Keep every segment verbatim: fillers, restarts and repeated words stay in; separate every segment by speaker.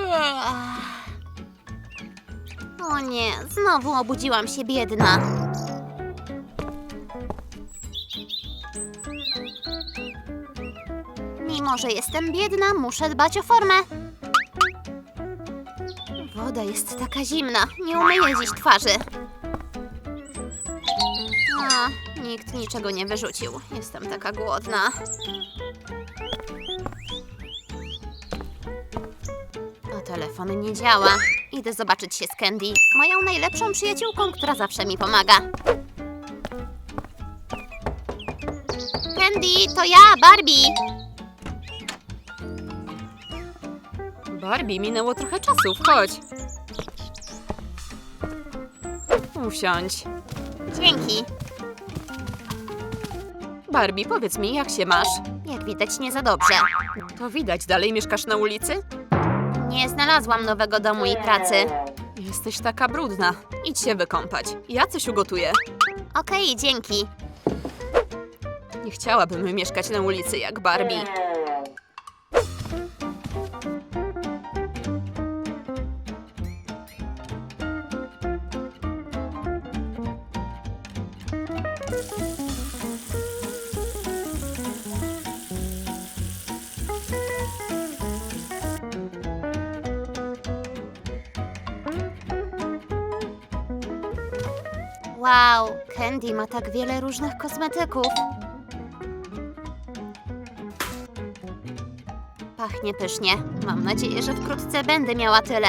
Speaker 1: O nie, znowu obudziłam się biedna. Mimo że jestem biedna, muszę dbać o formę. Woda jest taka zimna, nie umyję dziś twarzy. A, nikt niczego nie wyrzucił. Jestem taka głodna. A telefon nie działa. Idę zobaczyć się z Candy, moją najlepszą przyjaciółką, która zawsze mi pomaga. Candy, to ja, Barbie!
Speaker 2: Barbie, minęło trochę czasu, wchodź. Usiądź.
Speaker 1: Dzięki.
Speaker 2: Barbie, powiedz mi, jak się masz?
Speaker 1: Jak widać, nie za dobrze.
Speaker 2: To widać, dalej mieszkasz na ulicy?
Speaker 1: Nie znalazłam nowego domu i pracy.
Speaker 2: Jesteś taka brudna. Idź się wykąpać. Ja coś ugotuję.
Speaker 1: Okej, dzięki.
Speaker 2: Nie chciałabym mieszkać na ulicy jak Barbie.
Speaker 1: Wow, Candy ma tak wiele różnych kosmetyków. Pachnie pysznie. Mam nadzieję, że wkrótce będę miała tyle.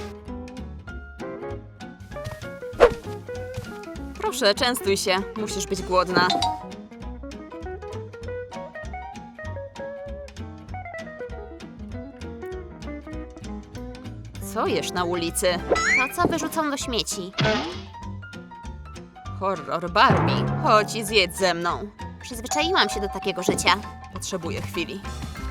Speaker 2: Proszę, częstuj się. Musisz być głodna. Co jesz na ulicy?
Speaker 1: To, co wyrzucą do śmieci.
Speaker 2: Horror, Barbie. Chodź i zjedz ze mną.
Speaker 1: Przyzwyczaiłam się do takiego życia.
Speaker 2: Potrzebuję chwili.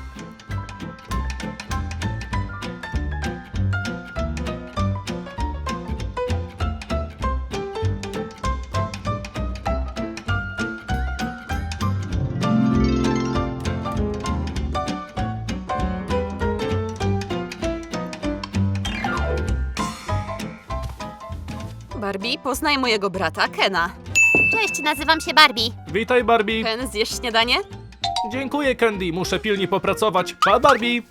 Speaker 2: Barbie, poznaj mojego brata, Kena.
Speaker 1: Cześć, nazywam się Barbie.
Speaker 3: Witaj, Barbie.
Speaker 2: Ken, zjesz śniadanie?
Speaker 3: Dziękuję, Candy. Muszę pilnie popracować. Pa, Barbie.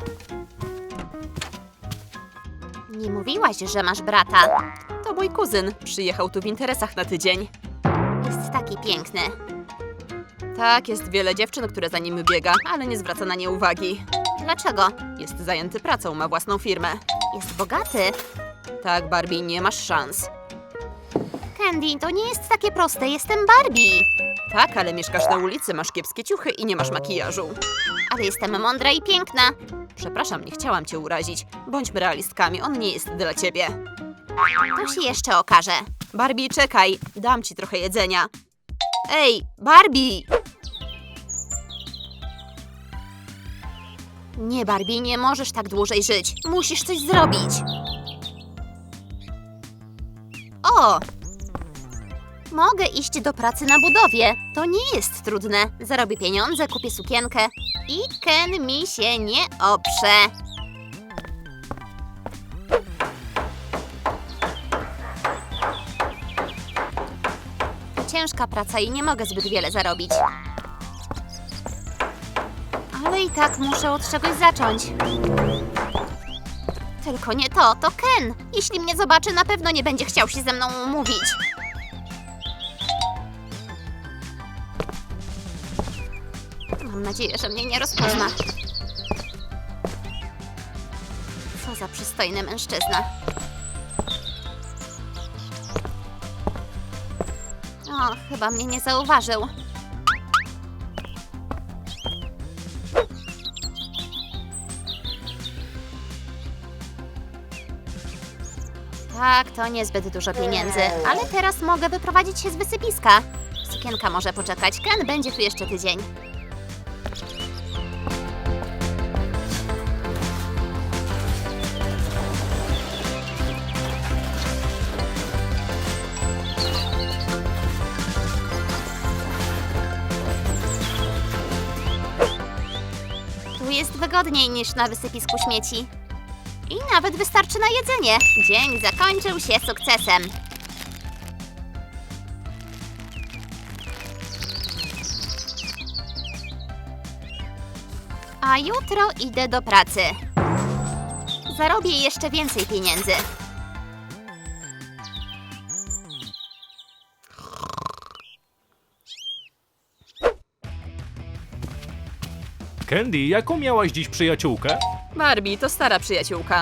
Speaker 1: Nie mówiłaś, że masz brata.
Speaker 2: To mój kuzyn. Przyjechał tu w interesach na tydzień.
Speaker 1: Jest taki piękny.
Speaker 2: Tak, jest wiele dziewczyn, które za nim biega, ale nie zwraca na nie uwagi.
Speaker 1: Dlaczego?
Speaker 2: Jest zajęty pracą, ma własną firmę.
Speaker 1: Jest bogaty.
Speaker 2: Tak, Barbie, nie masz szans.
Speaker 1: Candy, to nie jest takie proste. Jestem Barbie.
Speaker 2: Tak, ale mieszkasz na ulicy, masz kiepskie ciuchy i nie masz makijażu.
Speaker 1: Ale jestem mądra i piękna.
Speaker 2: Przepraszam, nie chciałam cię urazić. Bądźmy realistkami, on nie jest dla ciebie.
Speaker 1: To się jeszcze okaże.
Speaker 2: Barbie, czekaj, dam ci trochę jedzenia. Ej, Barbie!
Speaker 1: Nie, Barbie, nie możesz tak dłużej żyć. Musisz coś zrobić. O! Mogę iść do pracy na budowie. To nie jest trudne. Zarobię pieniądze, kupię sukienkę i Ken mi się nie oprze. To ciężka praca i nie mogę zbyt wiele zarobić. Ale i tak muszę od czegoś zacząć. Tylko nie to, to Ken. Jeśli mnie zobaczy, na pewno nie będzie chciał się ze mną umówić. Mam nadzieję, że mnie nie rozpozna. Co za przystojny mężczyzna. O, chyba mnie nie zauważył. Tak, to niezbyt dużo pieniędzy, ale teraz mogę wyprowadzić się z wysypiska. Sukienka może poczekać, Ken będzie tu jeszcze tydzień. Tu jest wygodniej niż na wysypisku śmieci. I nawet wystarczy na jedzenie. Dzień zakończył się sukcesem. A jutro idę do pracy. Zarobię jeszcze więcej pieniędzy.
Speaker 3: Candy, jaką miałaś dziś przyjaciółkę?
Speaker 2: Barbie to stara przyjaciółka.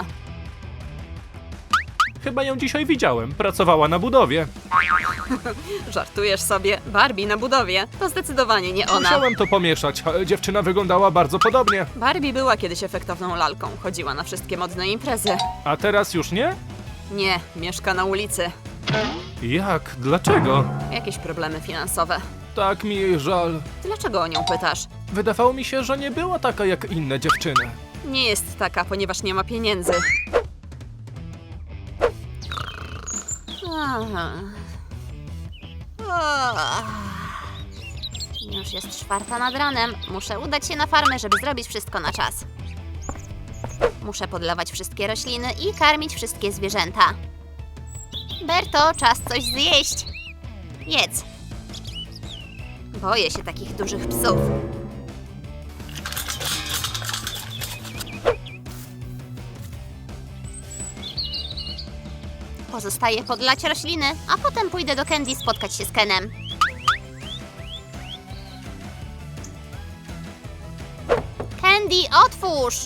Speaker 3: Chyba ją dzisiaj widziałem. Pracowała na budowie.
Speaker 2: Żartujesz sobie. Barbie na budowie. To zdecydowanie nie ona.
Speaker 3: Musiałem to pomieszać, ale dziewczyna wyglądała bardzo podobnie.
Speaker 2: Barbie była kiedyś efektowną lalką. Chodziła na wszystkie modne imprezy.
Speaker 3: A teraz już nie?
Speaker 2: Nie, mieszka na ulicy.
Speaker 3: Jak? Dlaczego?
Speaker 2: Jakieś problemy finansowe.
Speaker 3: Tak mi jej żal.
Speaker 2: Dlaczego o nią pytasz?
Speaker 3: Wydawało mi się, że nie była taka jak inne dziewczyny.
Speaker 2: Nie jest taka, ponieważ nie ma pieniędzy.
Speaker 1: Aha. O. Już jest czwarta nad ranem. Muszę udać się na farmę, żeby zrobić wszystko na czas. Muszę podlewać wszystkie rośliny i karmić wszystkie zwierzęta. Berto, czas coś zjeść. Jedz. Boję się takich dużych psów. Pozostaje podlać rośliny, a potem pójdę do Candy spotkać się z Kenem. Candy, otwórz!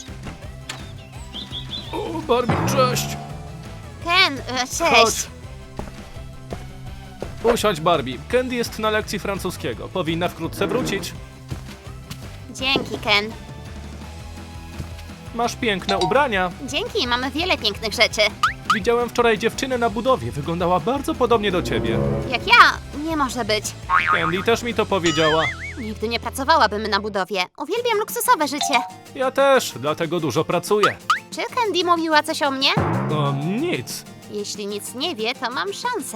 Speaker 3: O, Barbie, cześć!
Speaker 1: Ken, e, cześć.
Speaker 3: Chodź. Usiądź, Barbie. Candy jest na lekcji francuskiego. Powinna wkrótce wrócić.
Speaker 1: Dzięki, Ken.
Speaker 3: Masz piękne ubrania.
Speaker 1: Dzięki, mamy wiele pięknych rzeczy.
Speaker 3: Widziałem wczoraj dziewczynę na budowie. Wyglądała bardzo podobnie do ciebie.
Speaker 1: Jak ja, nie może być.
Speaker 3: Candy też mi to powiedziała.
Speaker 1: Nigdy nie pracowałabym na budowie. Uwielbiam luksusowe życie.
Speaker 3: Ja też, dlatego dużo pracuję.
Speaker 1: Czy Candy mówiła coś o mnie?
Speaker 3: No nic.
Speaker 1: Jeśli nic nie wie, to mam szansę.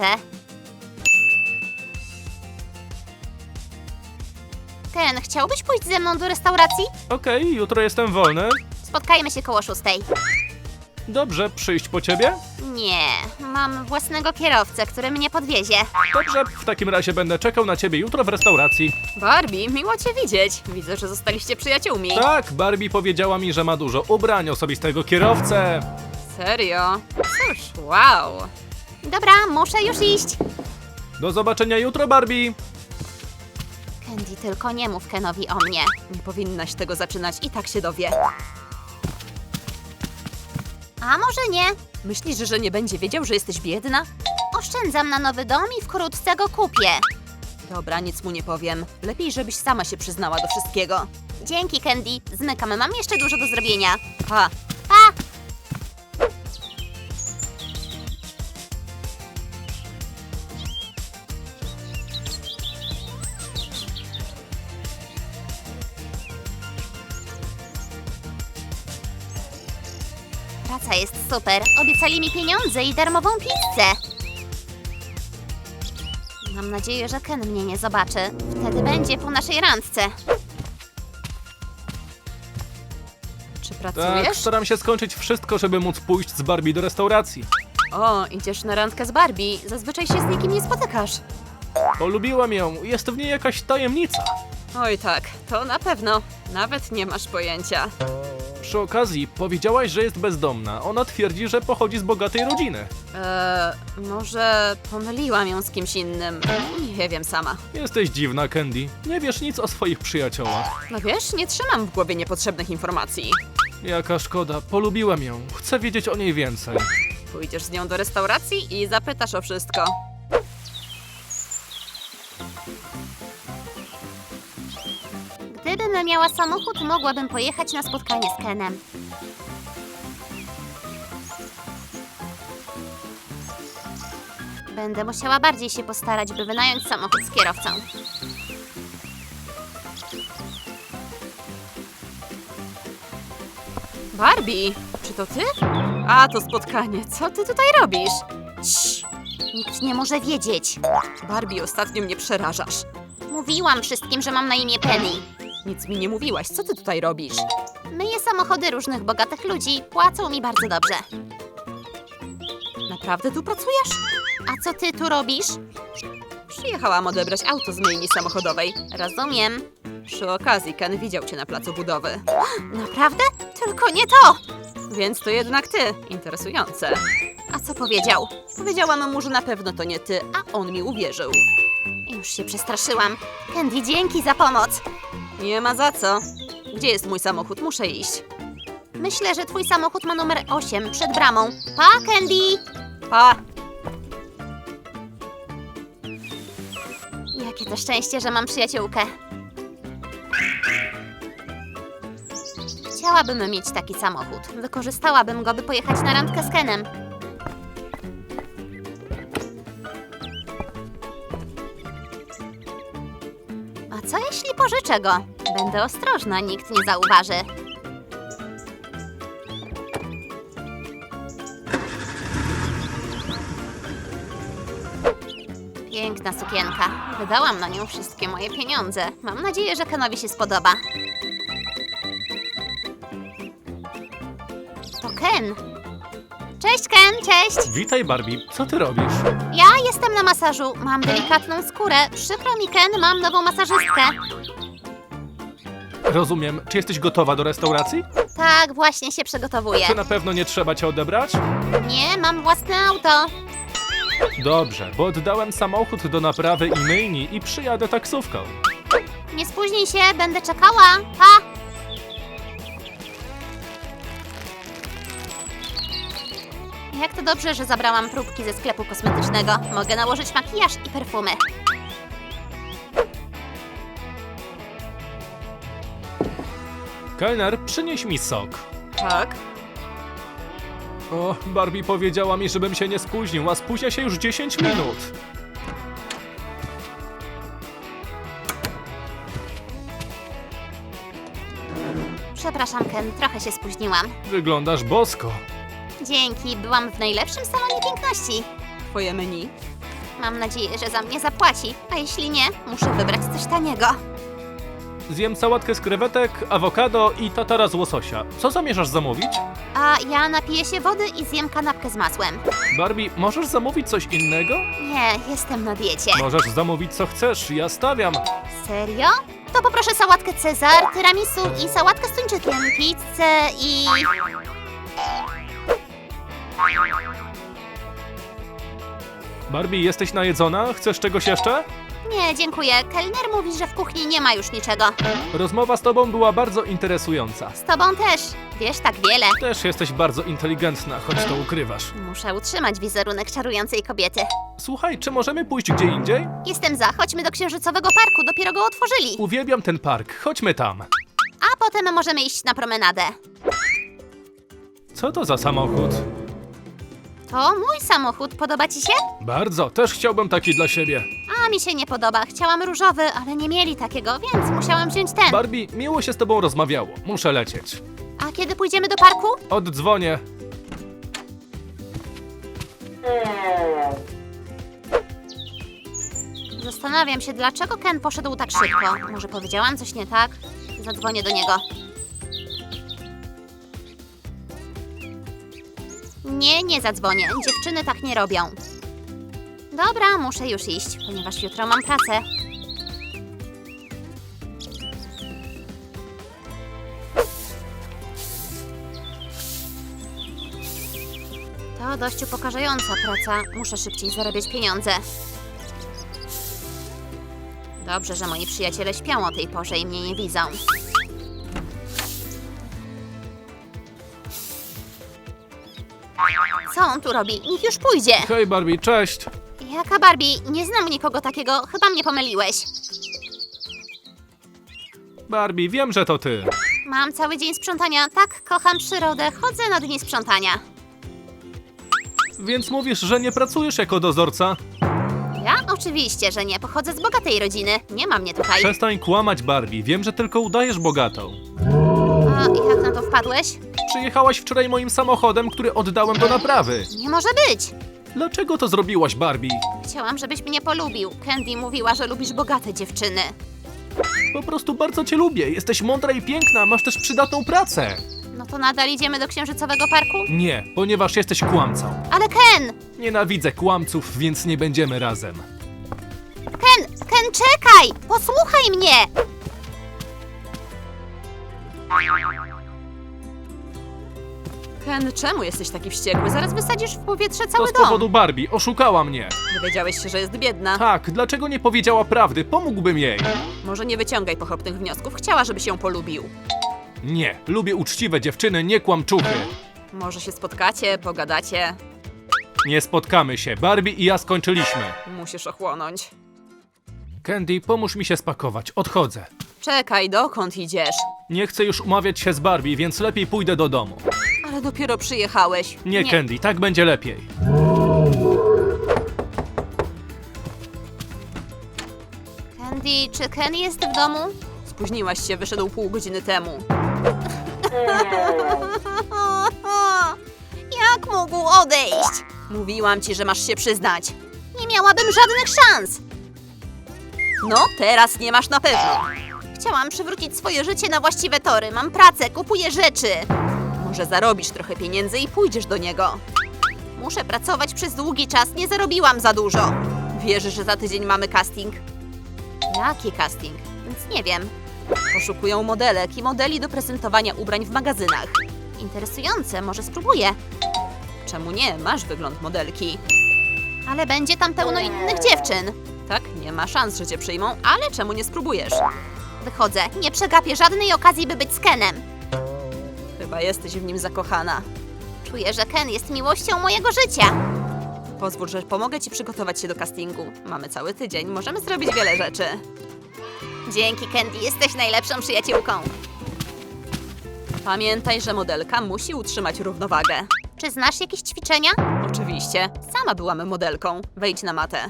Speaker 1: Ken, chciałbyś pójść ze mną do restauracji?
Speaker 3: Okej, jutro jestem wolny.
Speaker 1: Spotkajmy się koło szóstej.
Speaker 3: Dobrze, przyjść po ciebie?
Speaker 1: Nie, mam własnego kierowcę, który mnie podwiezie.
Speaker 3: Dobrze, w takim razie będę czekał na ciebie jutro w restauracji.
Speaker 2: Barbie, miło cię widzieć. Widzę, że zostaliście przyjaciółmi.
Speaker 3: Tak, Barbie powiedziała mi, że ma dużo ubrań, osobistego kierowcę.
Speaker 2: Serio? Cóż, wow.
Speaker 1: Dobra, muszę już iść.
Speaker 3: Do zobaczenia jutro, Barbie.
Speaker 1: Candy, tylko nie mów Kenowi o mnie.
Speaker 2: Nie powinnaś tego zaczynać, i tak się dowie.
Speaker 1: A może nie?
Speaker 2: Myślisz, że nie będzie wiedział, że jesteś biedna?
Speaker 1: Oszczędzam na nowy dom i wkrótce go kupię.
Speaker 2: Dobra, nic mu nie powiem. Lepiej, żebyś sama się przyznała do wszystkiego.
Speaker 1: Dzięki, Candy. Zmykam, mam jeszcze dużo do zrobienia.
Speaker 2: Pa!
Speaker 1: Pa! Praca jest super. Obiecali mi pieniądze i darmową pizzę. Mam nadzieję, że Ken mnie nie zobaczy. Wtedy będzie po naszej randce.
Speaker 2: Czy
Speaker 3: Tak,
Speaker 2: pracujesz?
Speaker 3: staram się skończyć wszystko, żeby móc pójść z Barbie do restauracji.
Speaker 2: O, idziesz na randkę z Barbie. Zazwyczaj się z nikim nie spotykasz.
Speaker 3: Polubiłam ją, jest w niej jakaś tajemnica.
Speaker 2: Oj tak, to na pewno. Nawet nie masz pojęcia.
Speaker 3: Przy okazji, powiedziałaś, że jest bezdomna. Ona twierdzi, że pochodzi z bogatej rodziny.
Speaker 2: Eee, może pomyliłam ją z kimś innym. Nie wiem sama.
Speaker 3: Jesteś dziwna, Candy. Nie wiesz nic o swoich przyjaciołach.
Speaker 2: No wiesz, nie trzymam w głowie niepotrzebnych informacji.
Speaker 3: Jaka szkoda, polubiłem ją. Chcę wiedzieć o niej więcej.
Speaker 2: Pójdziesz z nią do restauracji i zapytasz o wszystko.
Speaker 1: Gdybym miała samochód, mogłabym pojechać na spotkanie z Kenem. Będę musiała bardziej się postarać, by wynająć samochód z kierowcą.
Speaker 2: Barbie, czy to ty? A, to spotkanie. Co ty tutaj robisz?
Speaker 1: Cii, nikt nie może wiedzieć.
Speaker 2: Barbie, ostatnio mnie przerażasz.
Speaker 1: Mówiłam wszystkim, że mam na imię Penny.
Speaker 2: Nic mi nie mówiłaś. Co ty tutaj robisz?
Speaker 1: Myję samochody różnych bogatych ludzi, płacą mi bardzo dobrze.
Speaker 2: Naprawdę tu pracujesz?
Speaker 1: A co ty tu robisz?
Speaker 2: Przyjechałam odebrać auto z myjni samochodowej.
Speaker 1: Rozumiem.
Speaker 2: Przy okazji Ken widział cię na placu budowy.
Speaker 1: Naprawdę? Tylko nie to!
Speaker 2: Więc to jednak ty. Interesujące.
Speaker 1: A co powiedział?
Speaker 2: Powiedziałam mu, że na pewno to nie ty, a on mi uwierzył.
Speaker 1: Już się przestraszyłam. Candy, dzięki za pomoc.
Speaker 2: Nie ma za co. Gdzie jest mój samochód? Muszę iść.
Speaker 1: Myślę, że twój samochód ma numer osiem przed bramą. Pa, Candy!
Speaker 2: Pa!
Speaker 1: Jakie to szczęście, że mam przyjaciółkę. Chciałabym mieć taki samochód. Wykorzystałabym go, by pojechać na randkę z Kenem. A co jeśli pożyczę go? Będę ostrożna, nikt nie zauważy. Piękna sukienka. Wydałam na nią wszystkie moje pieniądze. Mam nadzieję, że Kenowi się spodoba. To Ken. Cześć, Ken, cześć!
Speaker 3: Witaj, Barbie. Co ty robisz?
Speaker 1: Ja jestem na masażu. Mam delikatną skórę. Przykro mi, Ken, mam nową masażystkę.
Speaker 3: Rozumiem. Czy jesteś gotowa do restauracji?
Speaker 1: Tak, właśnie się przygotowuję.
Speaker 3: Czy na pewno nie trzeba cię odebrać?
Speaker 1: Nie, mam własne auto.
Speaker 3: Dobrze, bo oddałem samochód do naprawy i myjni i przyjadę taksówką.
Speaker 1: Nie spóźnij się, będę czekała. Pa! Jak to dobrze, że zabrałam próbki ze sklepu kosmetycznego. Mogę nałożyć makijaż i perfumy.
Speaker 3: Kelner, przynieś mi sok.
Speaker 2: Tak?
Speaker 3: O, Barbie powiedziała mi, żebym się nie spóźnił, a spóźnia się już dziesięć minut.
Speaker 1: Przepraszam, Ken, trochę się spóźniłam.
Speaker 3: Wyglądasz bosko.
Speaker 1: Dzięki, byłam w najlepszym salonie piękności.
Speaker 2: Twoje menu?
Speaker 1: Mam nadzieję, że za mnie zapłaci, a jeśli nie, muszę wybrać coś taniego.
Speaker 3: Zjem sałatkę z krewetek, awokado i tatara z łososia. Co zamierzasz zamówić?
Speaker 1: A ja napiję się wody i zjem kanapkę z masłem.
Speaker 3: Barbie, możesz zamówić coś innego?
Speaker 1: Nie, jestem na diecie.
Speaker 3: Możesz zamówić co chcesz, ja stawiam.
Speaker 1: Serio? To poproszę sałatkę Cezar, tiramisu i sałatkę z tuńczykiem, pizzę i...
Speaker 3: Barbie, jesteś najedzona? Chcesz czegoś jeszcze?
Speaker 1: Nie, dziękuję. Kelner mówi, że w kuchni nie ma już niczego.
Speaker 3: Rozmowa z tobą była bardzo interesująca.
Speaker 1: Z tobą też. Wiesz tak wiele.
Speaker 3: Też jesteś bardzo inteligentna, choć to ukrywasz.
Speaker 1: Muszę utrzymać wizerunek czarującej kobiety.
Speaker 3: Słuchaj, czy możemy pójść gdzie indziej?
Speaker 1: Jestem za, chodźmy do Księżycowego Parku, dopiero go otworzyli.
Speaker 3: Uwielbiam ten park, chodźmy tam.
Speaker 1: A potem możemy iść na promenadę.
Speaker 3: Co to za samochód?
Speaker 1: To mój samochód, podoba ci się?
Speaker 3: Bardzo, też chciałbym taki dla siebie.
Speaker 1: A mi się nie podoba, chciałam różowy, ale nie mieli takiego, więc musiałam wziąć ten.
Speaker 3: Barbie, miło się z tobą rozmawiało. Muszę lecieć.
Speaker 1: A kiedy pójdziemy do parku?
Speaker 3: Oddzwonię.
Speaker 1: Zastanawiam się, dlaczego Ken poszedł tak szybko. Może powiedziałam coś nie tak? Zadzwonię do niego. Nie, nie zadzwonię. Dziewczyny tak nie robią. Dobra, muszę już iść, ponieważ jutro mam pracę. To dość upokarzająca praca. Muszę szybciej zarabiać pieniądze. Dobrze, że moi przyjaciele śpią o tej porze i mnie nie widzą. Co on tu robi? Niech już pójdzie.
Speaker 3: Hej Barbie, cześć.
Speaker 1: Jaka Barbie? Nie znam nikogo takiego. Chyba mnie pomyliłeś.
Speaker 3: Barbie, wiem, że to ty.
Speaker 1: Mam cały dzień sprzątania. Tak, kocham przyrodę. Chodzę na dni sprzątania.
Speaker 3: Więc mówisz, że nie pracujesz jako dozorca?
Speaker 1: Ja? Oczywiście, że nie. Pochodzę z bogatej rodziny. Nie ma mnie tutaj.
Speaker 3: Przestań kłamać, Barbie. Wiem, że tylko udajesz bogatą.
Speaker 1: A jak na to wpadłeś?
Speaker 3: Przyjechałaś wczoraj moim samochodem, który oddałem do naprawy.
Speaker 1: Nie może być.
Speaker 3: Dlaczego to zrobiłaś, Barbie?
Speaker 1: Chciałam, żebyś mnie polubił. Candy mówiła, że lubisz bogate dziewczyny.
Speaker 3: Po prostu bardzo cię lubię. Jesteś mądra i piękna, masz też przydatną pracę.
Speaker 1: No to nadal idziemy do księżycowego parku?
Speaker 3: Nie, ponieważ jesteś kłamcą.
Speaker 1: Ale Ken!
Speaker 3: Nienawidzę kłamców, więc nie będziemy razem.
Speaker 1: Ken! Ken, czekaj! Posłuchaj mnie!
Speaker 2: Ken, czemu jesteś taki wściekły? Zaraz wysadzisz w powietrze
Speaker 3: To
Speaker 2: cały
Speaker 3: z
Speaker 2: dom.
Speaker 3: powodu Barbie, oszukała mnie.
Speaker 2: Dowiedziałeś się, że jest biedna.
Speaker 3: Tak, dlaczego nie powiedziała prawdy? Pomógłbym jej.
Speaker 2: Może nie wyciągaj pochopnych wniosków. Chciała, żebyś ją polubił.
Speaker 3: Nie, lubię uczciwe dziewczyny, nie kłamczuchy.
Speaker 2: Może się spotkacie, pogadacie.
Speaker 3: Nie spotkamy się, Barbie i ja skończyliśmy.
Speaker 2: Musisz ochłonąć.
Speaker 3: Candy, pomóż mi się spakować, odchodzę.
Speaker 2: Czekaj, dokąd idziesz?
Speaker 3: Nie chcę już umawiać się z Barbie, więc lepiej pójdę do domu.
Speaker 2: Ale dopiero przyjechałeś.
Speaker 3: Nie,
Speaker 1: Nie.
Speaker 3: Candy, tak będzie lepiej.
Speaker 1: Candy, czy Ken jest w domu?
Speaker 2: Spóźniłaś się, wyszedł pół godziny temu.
Speaker 1: Jak mógł odejść?
Speaker 2: Mówiłam ci, że masz się przyznać.
Speaker 1: Nie miałabym żadnych szans!
Speaker 2: No, teraz nie masz na pewno.
Speaker 1: Chciałam przywrócić swoje życie na właściwe tory. Mam pracę, kupuję rzeczy.
Speaker 2: Może zarobisz trochę pieniędzy i pójdziesz do niego.
Speaker 1: Muszę pracować przez długi czas, nie zarobiłam za dużo.
Speaker 2: Wierzysz, że za tydzień mamy casting?
Speaker 1: Jaki casting? Nic nie wiem.
Speaker 2: Poszukują modelek i modeli do prezentowania ubrań w magazynach.
Speaker 1: Interesujące, może spróbuję.
Speaker 2: Czemu nie? Masz wygląd modelki.
Speaker 1: Ale będzie tam pełno innych dziewczyn.
Speaker 2: Tak, nie ma szans, że cię przyjmą, ale czemu nie spróbujesz?
Speaker 1: Wychodzę, nie przegapię żadnej okazji, by być z Kenem.
Speaker 2: Chyba jesteś w nim zakochana.
Speaker 1: Czuję, że Ken jest miłością mojego życia.
Speaker 2: Pozwól, że pomogę ci przygotować się do castingu. Mamy cały tydzień, możemy zrobić wiele rzeczy.
Speaker 1: Dzięki, Candy, jesteś najlepszą przyjaciółką.
Speaker 2: Pamiętaj, że modelka musi utrzymać równowagę.
Speaker 1: Czy znasz jakieś ćwiczenia?
Speaker 2: Oczywiście, sama byłam modelką. Wejdź na matę.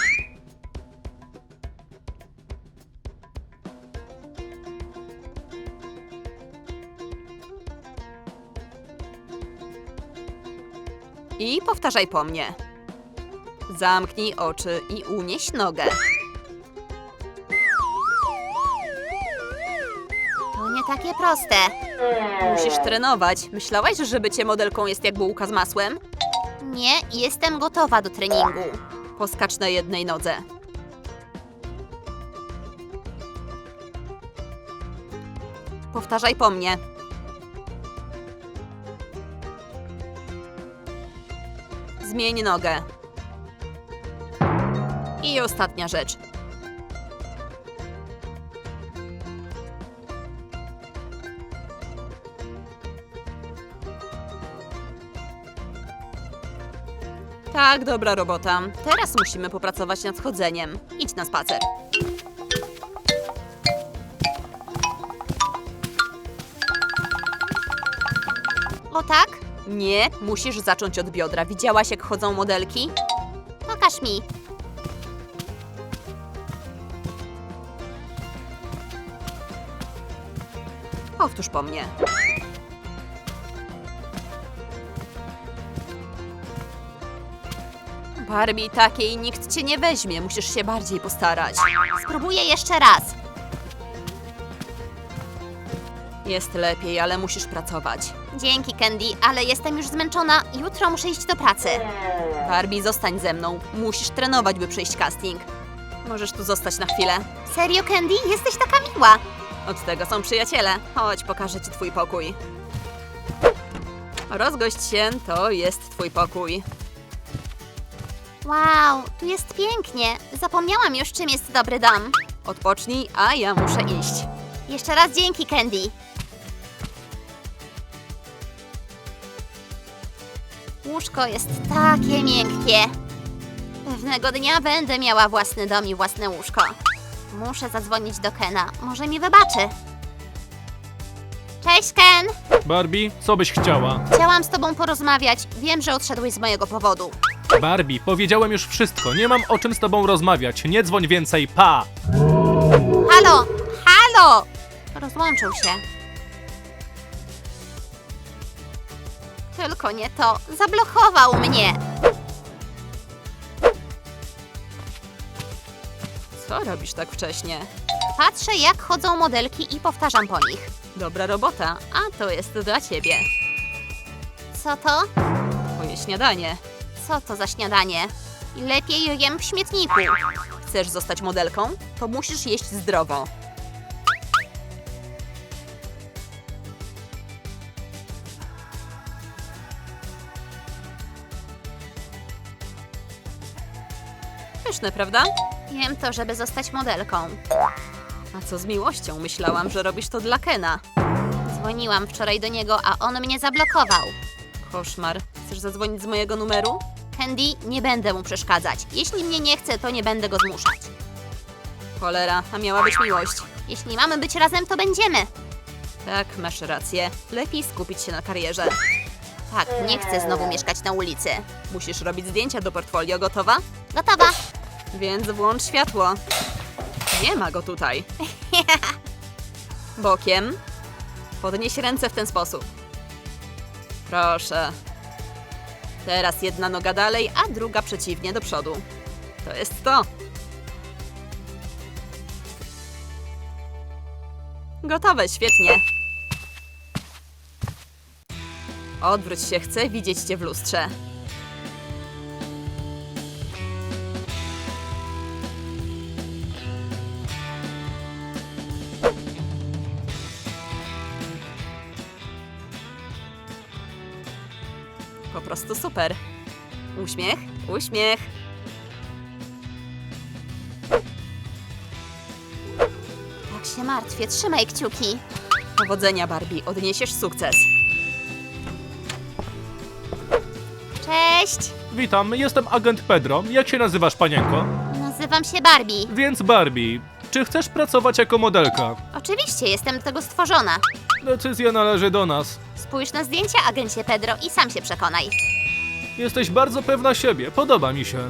Speaker 2: I powtarzaj po mnie. Zamknij oczy i unieś nogę.
Speaker 1: To nie takie proste.
Speaker 2: Musisz trenować. Myślałaś, że bycie modelką jest jak bułka z masłem?
Speaker 1: Nie, jestem gotowa do treningu.
Speaker 2: Poskacz na jednej nodze. Powtarzaj po mnie. Zmień nogę. I ostatnia rzecz. Tak, dobra robota. Teraz musimy popracować nad chodzeniem. Idź na spacer.
Speaker 1: O tak?
Speaker 2: Nie, musisz zacząć od biodra. Widziałaś, jak chodzą modelki?
Speaker 1: Pokaż mi.
Speaker 2: Powtórz po mnie. Barbie, takiej nikt cię nie weźmie. Musisz się bardziej postarać.
Speaker 1: Spróbuję jeszcze raz.
Speaker 2: Jest lepiej, ale musisz pracować.
Speaker 1: Dzięki, Candy, ale jestem już zmęczona. Jutro muszę iść do pracy.
Speaker 2: Barbie, zostań ze mną. Musisz trenować, by przejść casting. Możesz tu zostać na chwilę.
Speaker 1: Serio, Candy? Jesteś taka miła.
Speaker 2: Od tego są przyjaciele. Chodź, pokażę ci twój pokój. Rozgość się, to jest twój pokój.
Speaker 1: Wow, tu jest pięknie. Zapomniałam już, czym jest dobry dom.
Speaker 2: Odpocznij, a ja muszę iść.
Speaker 1: Jeszcze raz dzięki, Candy. Łóżko jest takie miękkie. Pewnego dnia będę miała własny dom i własne łóżko. Muszę zadzwonić do Kena. Może mi wybaczy. Cześć, Ken!
Speaker 3: Barbie, co byś chciała?
Speaker 1: Chciałam z tobą porozmawiać. Wiem, że odszedłeś z mojego powodu.
Speaker 3: Barbie, powiedziałem już wszystko, nie mam o czym z tobą rozmawiać, nie dzwoń więcej, pa!
Speaker 1: Halo! Halo! Rozłączył się. Tylko nie to. Zablokował mnie.
Speaker 2: Co robisz tak wcześnie?
Speaker 1: Patrzę, jak chodzą modelki i powtarzam po nich.
Speaker 2: Dobra robota, a to jest dla ciebie.
Speaker 1: Co to?
Speaker 2: Twoje śniadanie.
Speaker 1: Co to za śniadanie? Lepiej jem w śmietniku.
Speaker 2: Chcesz zostać modelką? To musisz jeść zdrowo. Pyszne, prawda?
Speaker 1: Jem to, żeby zostać modelką.
Speaker 2: A co z miłością? Myślałam, że robisz to dla Kena.
Speaker 1: Dzwoniłam wczoraj do niego, a on mnie zablokował.
Speaker 2: Koszmar. Chcesz zadzwonić z mojego numeru?
Speaker 1: Candy, nie będę mu przeszkadzać. Jeśli mnie nie chce, to nie będę go zmuszać.
Speaker 2: Cholera, a miała być miłość.
Speaker 1: Jeśli mamy być razem, to będziemy.
Speaker 2: Tak, masz rację. Lepiej skupić się na karierze.
Speaker 1: Tak, nie chcę znowu mieszkać na ulicy.
Speaker 2: Musisz robić zdjęcia do portfolio, gotowa?
Speaker 1: Gotowa.
Speaker 2: Więc włącz światło. Nie ma go tutaj. Bokiem. Podnieś ręce w ten sposób. Proszę. Teraz jedna noga dalej, a druga przeciwnie do przodu. To jest to. Gotowe, świetnie. Odwróć się, chcę widzieć cię w lustrze. Po prostu super. Uśmiech, uśmiech.
Speaker 1: Tak się martwię, trzymaj kciuki.
Speaker 2: Powodzenia, Barbie, odniesiesz sukces.
Speaker 1: Cześć,
Speaker 3: Witam, jestem agent Pedro. Jak się nazywasz, panienko?
Speaker 1: nazywam się Barbie.
Speaker 3: Więc Barbie, czy chcesz pracować jako modelka?
Speaker 1: Oczywiście, jestem do tego stworzona.
Speaker 3: Decyzja należy do nas.
Speaker 1: Spójrz na zdjęcia, agencie Pedro, i sam się przekonaj.
Speaker 3: Jesteś bardzo pewna siebie, podoba mi się.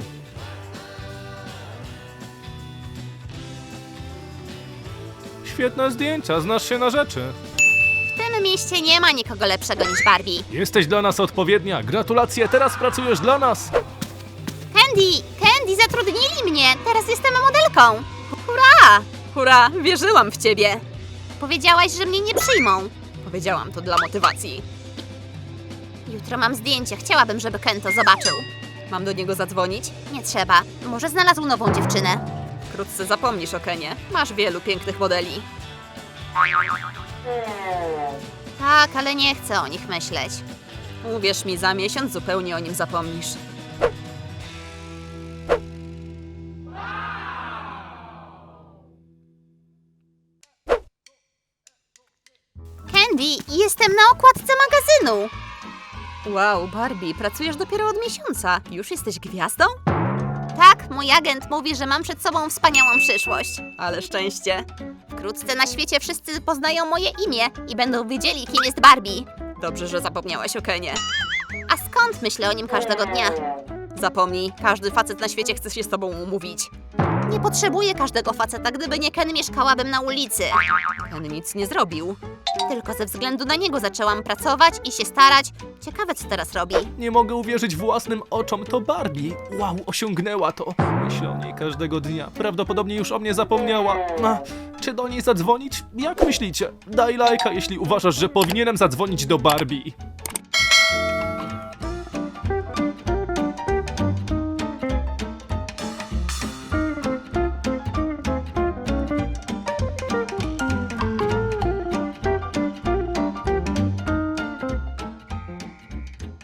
Speaker 3: Świetne zdjęcia, znasz się na rzeczy.
Speaker 1: W tym mieście nie ma nikogo lepszego niż Barbie.
Speaker 3: Jesteś dla nas odpowiednia. Gratulacje, teraz pracujesz dla nas.
Speaker 1: Candy, Candy, zatrudnili mnie. Teraz jestem modelką. Hurra!
Speaker 2: Hurra, wierzyłam w ciebie.
Speaker 1: Powiedziałaś, że mnie nie przyjmą.
Speaker 2: Powiedziałam to dla motywacji.
Speaker 1: Jutro mam zdjęcie. Chciałabym, żeby Ken to zobaczył.
Speaker 2: Mam do niego zadzwonić?
Speaker 1: Nie trzeba. Może znalazł nową dziewczynę.
Speaker 2: Wkrótce zapomnisz o Kenie. Masz wielu pięknych modeli.
Speaker 1: Tak, ale nie chcę o nich myśleć.
Speaker 2: Uwierz mi, za miesiąc zupełnie o nim zapomnisz.
Speaker 1: Candy, jestem na okładce magazynu.
Speaker 2: Wow, Barbie, pracujesz dopiero od miesiąca. Już jesteś gwiazdą?
Speaker 1: Tak, mój agent mówi, że mam przed sobą wspaniałą przyszłość.
Speaker 2: Ale szczęście.
Speaker 1: Wkrótce na świecie wszyscy poznają moje imię i będą wiedzieli, kim jest Barbie.
Speaker 2: Dobrze, że zapomniałaś o Kenie.
Speaker 1: A skąd myślę o nim każdego dnia?
Speaker 2: Zapomnij, każdy facet na świecie chce się z tobą umówić.
Speaker 1: Nie potrzebuję każdego faceta, gdyby nie Ken, mieszkałabym na ulicy.
Speaker 2: Ken nic nie zrobił.
Speaker 1: Tylko ze względu na niego zaczęłam pracować i się starać. Ciekawe, co teraz robi.
Speaker 3: Nie mogę uwierzyć własnym oczom, to Barbie. Wow, osiągnęła to. Myślę o niej każdego dnia. Prawdopodobnie już o mnie zapomniała. A, czy do niej zadzwonić? Jak myślicie? Daj lajka, jeśli uważasz, że powinienem zadzwonić do Barbie.